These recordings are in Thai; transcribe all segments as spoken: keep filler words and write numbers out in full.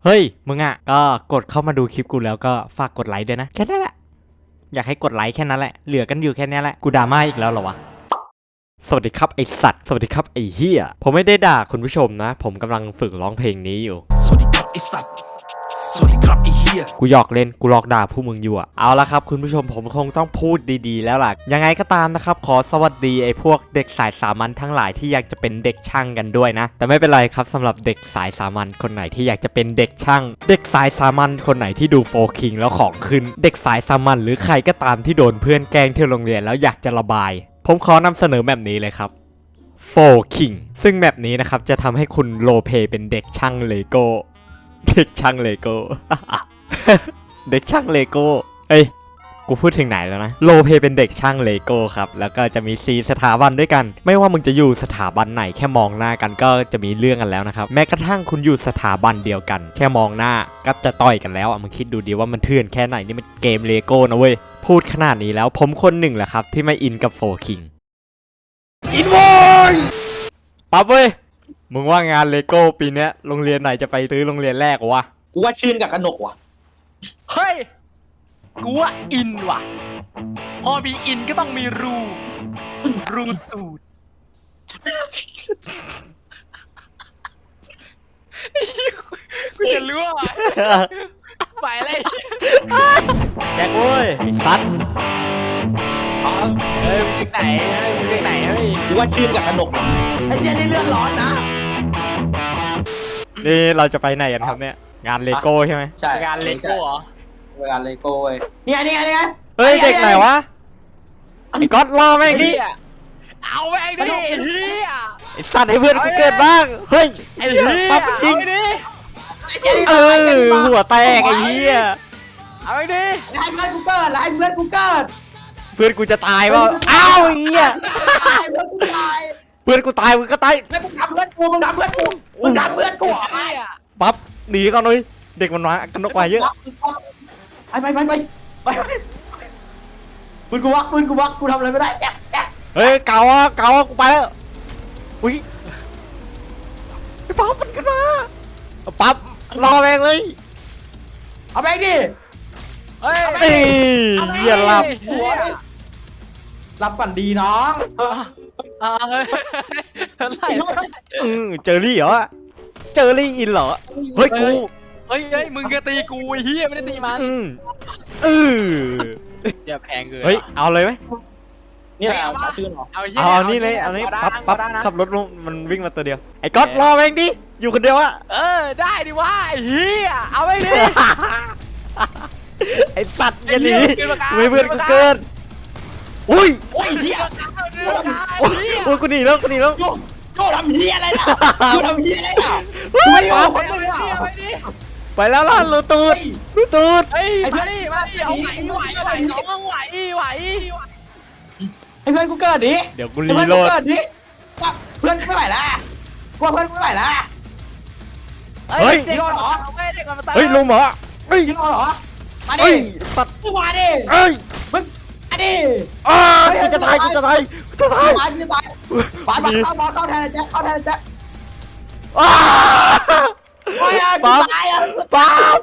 เฮ้ยมึงอ่ะก็กดเข้ามาดูคลิปกูแล้วก็ฝากกดไลค์ด้วยนะแค่นั้นแหละอยากให้กดไลค์แค่นั้นแหละเหลือกันอยู่แค่นี้แหละกูด่ามาอีกแล้วเหรอวะสวัสดีครับไอสัตว์สวัสดีครับไอเฮียผมไม่ได้ด่าคุณผู้ชมนะผมกำลังฝึกร้องเพลงนี้อยู่สวัสดีครับไอสัตว์สวัสดีครับไอเฮียกูหยอกเล่นกูหลอกด่าผู้มึงอยู่อะเอาละครับคุณผู้ชมผมคงต้องพูดดีๆแล้วล่ะยังไงก็ตามนะครับขอสวัสดีไอพวกเด็กสายสามัญทั้งหลายที่อยากจะเป็นเด็กช่างกันด้วยนะแต่ไม่เป็นไรครับสำหรับเด็กสายสามัญคนไหนที่อยากจะเป็นเด็กช่างเด็กสายสามัญคนไหนที่ดูโฟร์คิงแล้วของขึ้นเด็กสายสามัญหรือใครก็ตามที่โดนเพื่อนแกล้งที่โรงเรียนแล้วอยากจะระบายผมขอนำเสนอแบบนี้เลยครับโฟร์คิงซึ่งแบบนี้นะครับจะทำให้คุณโลเพเป็นเด็กช่างเลโก้เด็กช่างเลโก้ เด็กช่างเลโก้เอ้ยกูพูดถึงไหนแล้วนะโลเพเป็นเด็กช่างเลโก้ครับแล้วก็จะมีสี่สถาบันด้วยกันไม่ว่ามึงจะอยู่สถาบันไหนแค่มองหน้ากันก็จะมีเรื่องกันแล้วนะครับแม้กระทั่งคุณอยู่สถาบันเดียวกันแค่มองหน้าก็จะต่อยกันแล้วอ่ะมึงคิดดูดิว่ามันเถื่อนแค่ไหนนี่มันเกมเลโก้นะเว้ยพูดขนาดนี้แล้วผมคนหนึ่งแหละครับที่ไม่อินกับโฟร์คิงอินโวยปั๊บเว้ยมึงว่างานเลโก้ปีนี้โรงเรียนไหนจะไปซื้อโรงเรียนแรกวะกูว่าชื่นกับกนกว่ะเฮ้ยกูว่าอินว่ะพอมีอินก็ต้องมีรูรูตูดกูจะรู้ว่าไปเลยแจ็คเว้ยไอ้สัตว์เฮ้ยมึงไปไหนเฮ้ยมึงไปไหนเฮ้ยกูว่าชื่นกับกนกว่ะไอ้เหี้ยนี่เลือดร้อนนะนี่เราจะไปไหนกันครับเนี่ยงานเลโก้ใช่ไหมใช่งานเลโก้เหรองานเลโก้เว้ยนี่ไงนี่ไงนี่ไงเฮ้ยเด็กไหนวะไอ้ก๊อตรอแม่งดิเอาแม่งดิเฮียไอ้สัตว์ให้เพื่อนกูเกิดบ้างเฮ้ยไอ้เฮียปั๊บจริงเออหัวแตกไอ้เหี้ยเอาไปดิให้เพื่อนกูเกิดให้เพื่อนกูเกิดเพื่อนกูจะตายว่าอ้าวไอ้เหี้ยเพื่อนกูตายเพื่อนกูตายมึงก็ตายแล้วมึงทำเพื่อนกูมึงทำเพื่อนกูมึงทำเพื่อนกูอะไรปั๊บหนีก่อนเลยเด็กมันมากันนกมาเยอะไปไปไปไปไปปืนกูวักปืนกูวักกูทำอะไรไม่ได้แจ๊บแจ๊บเฮ้ยเก่าอ่ะเก่าอ่ะกูไปแล้วอุ้ยไอ้ปั๊บมันกันมาปั๊บรอแม่งเลยเอาแม่งดิเฮ้ยเหี้ยหลับหลับฝันดีน้องอ่าเฮ้ยอืมเจอรี่เหรอเจอรี่อินเหรอเฮ้ยกูเฮ้ยเฮ้ยมึงก็ตีกูไอ้เหี้ยไม่ได้ตีมันเอออย่าแพงเกินเฮ้ยเอาเลยไหมนี่แหละเอาชื่อหรอเอาเอานี่เลยเอานี่ปั๊บปั๊บขับรถลงมันวิ่งมาตัวเดียวไอ้ก๊อตรอเองดิอยู่คนเดียวอะเออได้ดิวะไอ้เหี้ยเอาไปดิไอ้สัตว์อย่าหนีไม่เพื่อนกูเกินอุ้ยโอ้ยเหี้ยโอ้ยกูหนีแล้วกูหนีแล้วกูทำเหี้ยอะไรล่ะกูทำเหี้ยอะไรล่ะไม่เอาคนมึงอ่ะไปแล้วล่ะลูตูดลูตูดไอ้เพื่อนนี่มาดิเอาไหวไหวไหวน้องไหวไหวไอ้เพื่อนกูเกิดดิเดี๋ยวกูรีโหลดเกิดดิเพื่อนไม่ไหวละกูเพื่อนไม่ไหวละเฮ้ยยิงเหรอเฮ้ยลุงเหรอเฮ้ยยิงเหรอมาดิปัดมึงมาดิเฮ้ยมึงมาดิอ้ากูจะตายกูจะตายกูจะตายกูจะตายบอลบอลเข้าบอลเข้าแทนแจ็คเข้าแทนแจ็คอ้าโอ้ยกูตายอ่ะป๊าบ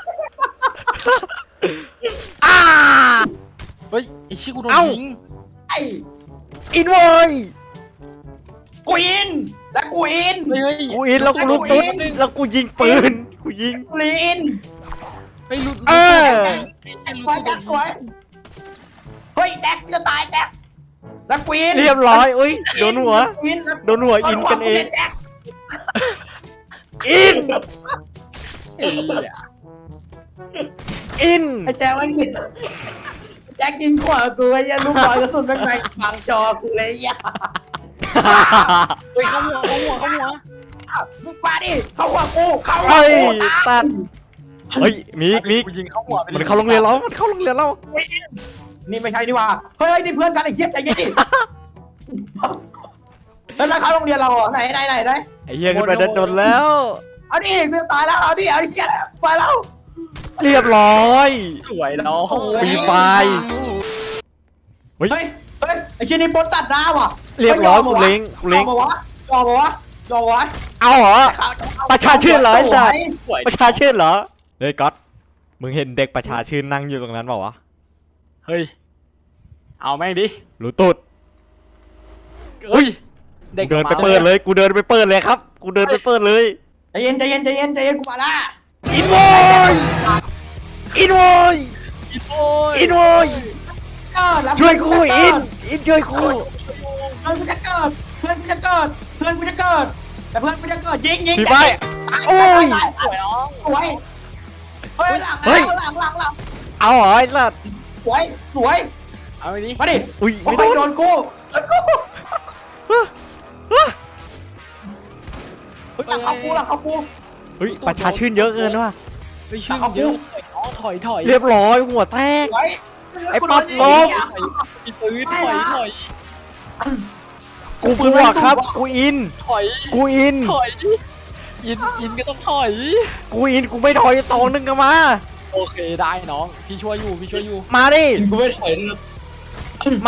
อ้าเฮ้ยไอ้ชิกูโดนยิงไอ้อินเว้ยกูอินแล้วกูอินกูอินแล้วกูลุกตุ๊ดแล้วกูยิงปืนกูยิงลีนไอ้ลุกเออไอ้ควายแจ็คสวยเฮ้ยแจ็คจะตายแจ็คแล้วกูอินเรียบร้อยอุ้ยโดนหัวโดนหัวอินกันเองอินอินไอ้แจ็คมันยิงแจ็คยิงขวากูไอ้ยันลูกบอลกระสุนแม่งไปฝังจอกูเลยย่าเฮ้ยเข้าหัวเข้าหัวเข้าหัวมึงมาดิเข้าหัวกูเข้าหัวกูตัดเฮ้ยมีมียิงเข้าหัวมันเข้าโรงเรียนเรามันเข้าโรงเรียนเรานี่ไม่ใช่นี่ว่าเฮ้ยนี่เพื่อนกันไอ้เหี้ยใจเย็นดิแล้วเข้าโรงเรียนเราอ่ะไหนไหนไหนไหนไอ้เหี้ยขึ้นไปดันโดนแล้วเอาดิเพื่อนตายแล้วเอาดิเอาดิเหี้ยไปแล้วเรียบร้อยสวยเนาะฟรีไฟเฮ้ยเฮ้ยไอ้ชิ้นนี้ปนตัดหน้าว่ะเรียบร้อยกูเล้งกูเล้งมาวะมาวะโดนวะเอาเหรอ ประชาชื่นเหรอไอ้สัตว์สวยประชาชื่นเหรอเฮ้ยก๊อตมึงเห็นเด็กประชาชื่นนั่งอยู่ตรงนั้นเปล่าวะเฮ้ยเอาแม่งดิรู้ตุดเฮ้ยเด็กกูเดินไปมาเปิดเลยกูเดินไปเปิดเลยครับกูเดินไปเปิดเลยใจเย็นใจเย็นใจเย็นใจเย็นกูมาละอินโวยอินโวยอินโอ้ยอินโวยเกิดแล้วช่วยกูอินอินช่วยกูเพื่อนกูจะเกิดเพื่อนกูจะเกิดเพื่อนกูจะเกิดแต่เพื่อนกูจะเกิดยิงยิงพี่ไฟตายโอ้ยตายสวยน้องสวยเฮ้ยหลังเฮ้ยหลังหลังหลังเอาเหรอไอ้สัตว์สวยสวยเอาไปดิมาดิอุ้ยโอ้ไม่ยโดโดนนกูโดนกูเฮ้ยหลังเขากูหลังเขากูเฮ้ยประชาชื่นเยอะเกินว่ะไปชื่นเยอะน้องถอยถอยเรียบร้อยหัวแตกสวยไอ้ป๊อปลบอีปืนถอยถอยกูกลัวครับกูอินถอยกูอินถอยอินอินก็ต้องถอยกูอินกูไม่ถอยตองนึงกันมาโอเคได้น้องพี่ช่วยอยู่พี่ช่วยอยู่มาดิอินกูไม่ถอยนะมา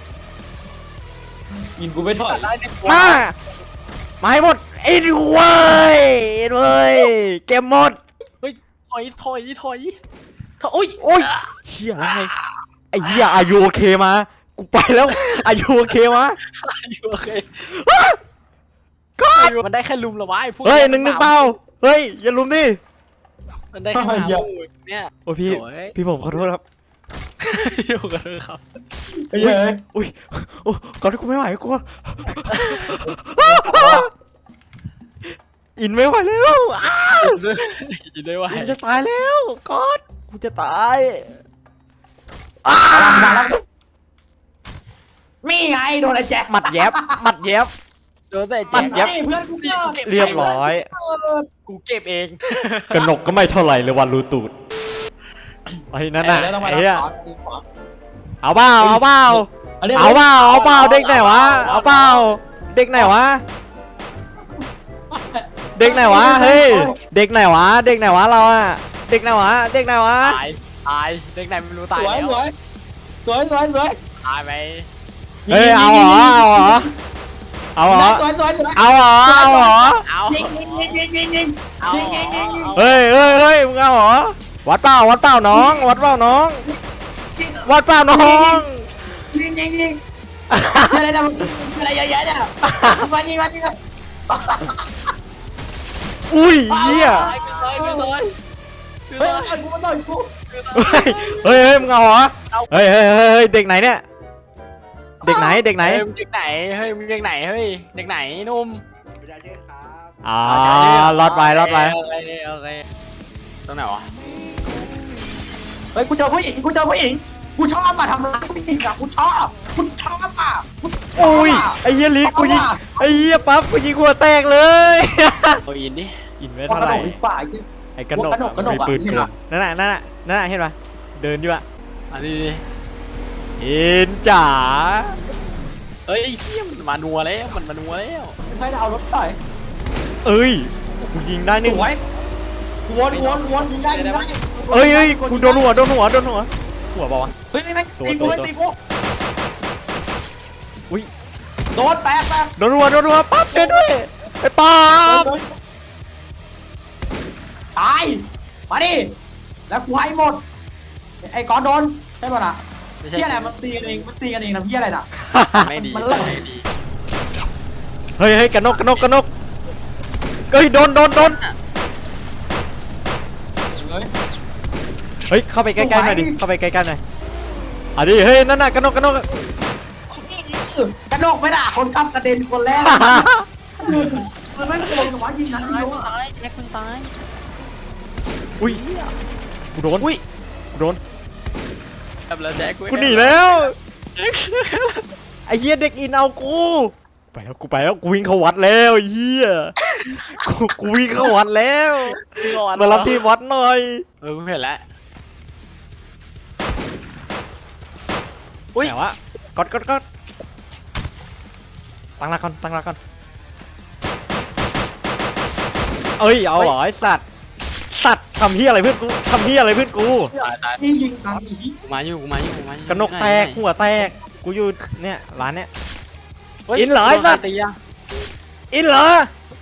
อินกูไม่ถอยได้ในตัวมา มาให้หมดอินเว้ยอินเว้ยเกมหมดเฮ้ยถอยถอยถอยถอยโอ้ยโอ้ยเชี่ยอะไรไอ้เหี้ยอายุโอเคมากูไปแล้วอายุโอเคมาอยู่โอเคก็มันได้แค่ลุมเหรอวะไอ้พวกเฮ้ยหนึ่งหนึ่งเปล่าเฮ้ยอย่าลุมดิมันได้แค่หาลูกเนี่ยโอ้พี่โอ้ยพี่ผมขอโทษครับอยู่กันเลยครับเฮ้ยอุ้ยโอ้ก่อนที่กูไม่ไหวกูอินไม่ไหวแล้วอ้าวยินได้ว่ากูจะตายแล้วก๊อดกูจะตายมาแล้วมีไงโดนไอ้แจ็คหมัดแยบหมัดแยบโดนแต่มัแจ็นคยับเพื่อนกูเกิดเรียบร้อยกูเก็บเองกระหนกก็ไม่เท่าไหร่เลยวันรูตูดไอ้นั่นน่ะแล้วต้องมาไอ้รับเหี้ยต่อเอาเปล่าเอาเปล่าอันนี้เอาเปล่าเอาเปล่าเด็กไหนวะเอาเปล่าเด็กไหนวะเด็กไหนวะเฮ้ยเด็กไหนวะเด็กไหนวะเราอะเด็กไหนวะเด็กไหนวะตายตายเด็กไหนไม่รู้สตายวยแล้วสวยสวยสวยสวยตายไปเฮ้ยเอาเหรอเอาเหรอเอาเหรอสวยสวยสวยเอาเหรอเอาเหรอเอายิงยิงยิงยิงยิงยิงเอายิงยิงยิงยิงเฮ้ยเฮ้ยเฮ้ยมึงเอาเหรอวัดเปล่าวัดเปล่าน้องวัดเปล่าน้องวัดเปล่าน้องยิงยิงยิงอะไรนะอะไรเยอะแยะเนี่ยมายิงมายิงอุ้ยเหี้ยตายไปเลยไปเลยเฮ้ยต่อยกูต่อยกูเฮ้ยเฮ้ยเฮ้ยมึงเอาเหรอเฮ้ยเฮ้ยเฮ้ยเฮ้ยเด็กไหนเนี่ยเด็กไหนเด็กไหนเฮ้ยมึงเด็กไหนเฮ้ยมึงเด็กไหนเฮ้ยเด็กไหนนุ่มอ่ารอดไปรอดไปโอเคโอเคตรงไหนวะเฮ้ยกูเจอผู้หญิงกูเจอผู้หญิงกูชอบอ่ะทำร้ายผู้หญิงอ่ะกูชอบกูชอบอ่ะอุ้ยไอ้เหี้ยลิกกูยิงไอ้เหี้ยปั๊บกูยิงหัวแตกเลยโอ้ยอินดิอินไม่พอเท่ากระไหโดร่ดดีกว่าไอ้เจ้ไอ้กระหนกกระหนกกระหนกมีปืนอะกลนั่นน่ะนั่นน่ะนั่นน่ะเห็นปะเดินอยู่อะอันนี้ดิอินจ๋าเฮ้ยไอ้เหี้ยมันมานัวแล้วมันมานัวแล้วใช่เอารถต่อยเอ้ยกูยิงได้สนี่วยวนวนวนยิงได้ยิงได้เอ้ยเอ้ยกูโดนหัวโดนหัวโดนหัวหัวเปล่าวะเฮ้ยไม่ไม่ตัวตีตักูวตีกูอุ้ยโดนแปะแปะโดนหัวโดนหัวปั๊บช่วยด้วยไอ้ปั๊บตายมาดิแล้วกูให้หมดไอ้ก้อนโดนใช่ป่ะน่ะไม่ใช่พี่อะไรมันตีกันเองมันตีกันเองนะพี่อะไรน่ะไม่ดีมันเลิกไม่ดีเฮ้ยเฮ้ยกระนกกระนกกระนกเฮ้ยโดนโดนโดนเฮ้ยเฮ้ยเข้าไปใกล้ๆหน่อยดิเข้าไปใกล้ๆหน่อยอ่ะดิเฮ้ยนั่นน่ะกระนกกระนกกระโดดไม่ด่าคนขับกระเด็นคนแรกมันไม่โกงหรอวะยิงนั้นตายเดียวตายแจ็คมึงตายอุ้ยกูโดนอุ้ยกูโดนแบบแล้วแจ็คกูหนีแล้วไอ้เหี้ยเด็กอินเอากูไปแล้วกูไปแล้วกูวิ่งเข้าวัดแล้วไอ้เหี้ยกูกูวิ่งเข้าวัดแล้วมารับที่วัดหน่อยเออกูเห็นแล้วอุ้ยแต่ว่ากดกดกดตั้งหลักก่อนตั้งหลักก่อนเอ้ยเอาเหรอไอ้สัตว์สัตว์ทำเหี้ยอะไรเพื่อนกูทำเหี้ยอะไรเพื่อนกูตายตายที่ยิงตามอีกูมาอยู่กูมาอยู่กูมาอยู่กระนกแตกหัวแตกกูอยู่เนี่ยร้านเนี้ยฮ้ยอินเหรอไอ้สัตว์ตีอะอินเหรอ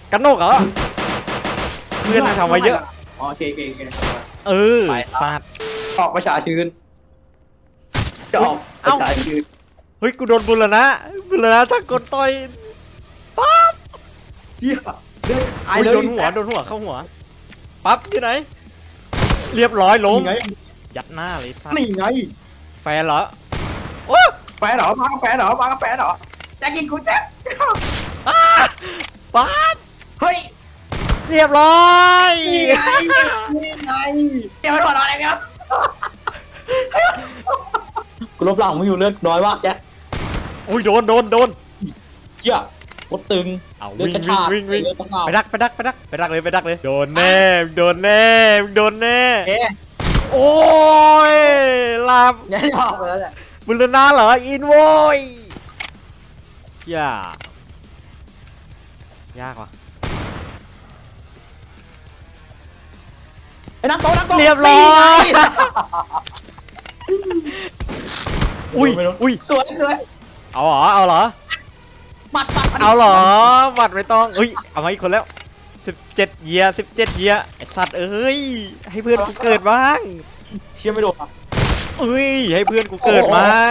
กันโนกเหรอเพื่อนมันทำมาเยอะอ๋อโอเคโอเคโอเคเออสัตว์ออกประชาชื่นจะออกประชาชื่นเฮ้ยกูโดนบุรณะบุรณะถ้ากดต่อยปั๊บเฮียเลือดหายอุ๊ยเลยโดนหัวโดนหัวเข้าหัวปั๊บอยู่ไหน เรียบร้อยล้มนี่ไงยัดหน้าเลยสัตว์นี่ไงแฟนเหรอโอ้แฟนเหรอมากาแฟเหรอมากาแฟเหรอจะกินกูแจ๊บปั๊บเฮ้ยเรียบร้อยนี่ไงนี่ไงเดี๋ยวมันหัวเราะอะไรเนี่ยกูลบหลังมึงอยู่เลือดน้อยมากแจ๊บอุ้ยโดนโดนโดนเชี่ยรถตึงเอาเลือดวิ่งกระวิ่งชากวิ่งวิ่งเลือดกระชากไปดักไปดักไปดักไปดักเลยไปดักเลยโดนแน่โดนแน่โดนแน่เอ๊ะโอ้ยลาบยังไม่ออกไปแล้วเนี่ยบุรณะเหรออินโวยยากยากว่ะไอ้นักโตนักโตเรียบร้อยนี่ไงอุ้ยไม่รู้อุ้ยสวยสวยเอาเหรอเอาเหรอหมัดหมัดมัดเอาเหรอหมัดไม่ต้องเฮ้ยเอามาอีกคนแล้วสิบเจ็ดเยียสิบเจ็ดเยียไอสัตว์เอ้ยให้เพื่อนกูเกิดบ้างเชี่ยไม่โดนอ่ะเอ้ยให้เพื่อนกูเกิดบ้าง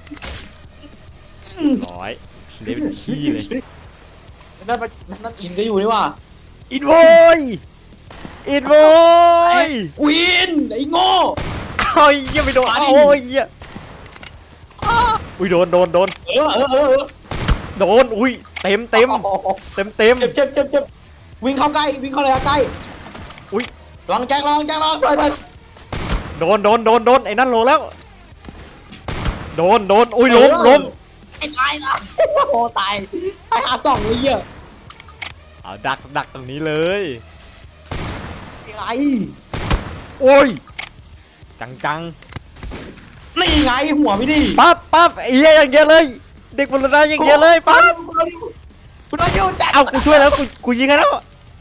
ร้อยเดวิดขี้เลยนั่นมันนั่นอินก็อยู่นี่ว่ะอินโวยอินโวยควีนไอ้โง่เอ้ยเหี้ยังไม่โดนมาดิโอ้ยเหี้ยอุ้ยโดนโดนโดนเออเออเออเออโดนอุ้ยเต็มเต็มโอ้โหเต็มเต็มเจ็บเจ็บเจ็บเจ็บวิ่งเข้าใกล้วิ่งเข้าเลยใกล้อุ้ยลองแจ็คลองแจ็คลองไปไปโดนโดนโดนโดนไอ้นั่นโลแล้ว โดนโดนอุ้ยล้มล้มไอ้ตายละโอ้ตายตายหาสองเลยเหี้ยเอาดักดักตรงนี้เลยไงโอ้ยจังจังนี่ไงหัวไม่ดีปั๊บปั๊บไอ้เหี้ยอย่างเงี้ยเลย เด็กบุรณะอย่างเงี้ยเลยปั๊บคุณโดนยูแจ็คเอากูช่วยแล้วกูกูยิงให้แล้ว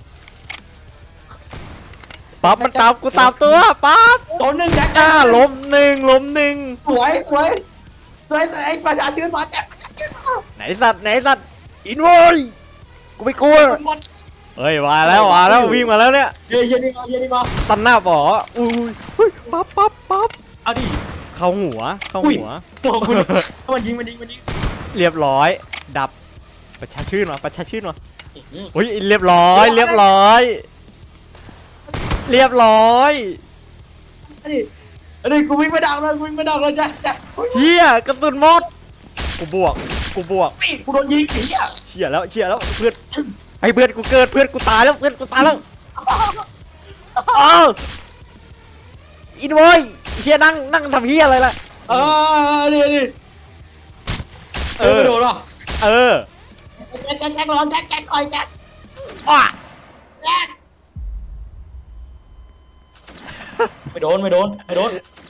ปั๊บมันตามกูตามตัวปั๊บโดนหนึ่งแจ็คจ้าล้มหนึ่งล้มหนึ่งสวยสวยสวยไอ้ประชาชื่นมาแจ็คไหนสัตว์ไหนสัตว์อินโวยกูไม่กลัวหมดเฮ้ยมาแล้วมาแล้ววิ่งมาแล้วเนี่ยเยี่ยนี่มาเยี่ยนี่มาตันหน้าบ่ออุ้ยอุ้ยปั๊บปั๊บปั๊บเอาดิเข้าหัวเข้าอุ้ยหัวหัวคุณมันยิงมันยิงมันยิงเรียบร้อย ดับประชาชื่นวะประชาชื่นวะอุ้ยเรียบร้อย เรียบร้อย เรียบร้อยอันนี้อันนี้กูวิ่งไม่ดังเลยกูวิ่งไม่ดังเลยจ้ะจ้ะเฮียกระสุนหมดกูบวกกูบวกกูโดนยิงไอ้เหี้ยเชี่ยแล้วเชี่ยแล้วเพื่อนให้เพื่อนกูเกิดเพื่อนกูตายแล้วเพื่อนกูตายแล้วอ้าวอินโวยเฮียนั่งนั่งทำเฮียอะไรล่ะเออนี่นี่เออไม่โดนหรอเออแจ็คแจ็คแจ็คร้อนแจ็คแจ็คคอยแจ็คอ้าแจ็คไม่โดนไม่โดนไม่โดน